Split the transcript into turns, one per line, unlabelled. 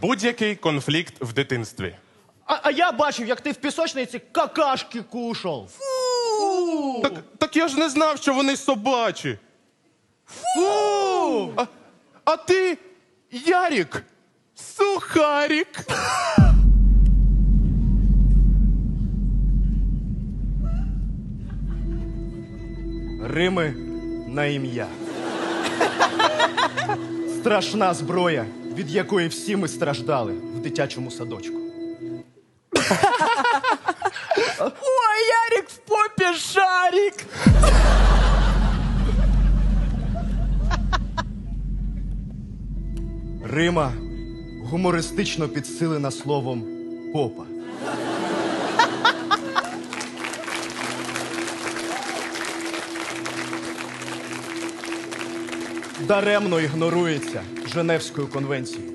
Будь-який конфлікт в дитинстві.
А я бачив, як ти в пісочниці какашки кушав.
Так я ж не знав, що вони собачі.
Фу!
А ти, Ярік, сухарік.
Рими на ім'я. Страшна зброя, від якої всі ми страждали в дитячому садочку.
Ой, Ярик в попе шарик.
Рима гумористично підсилена словом попа. Даремно ігнорується Женевською конвенцією.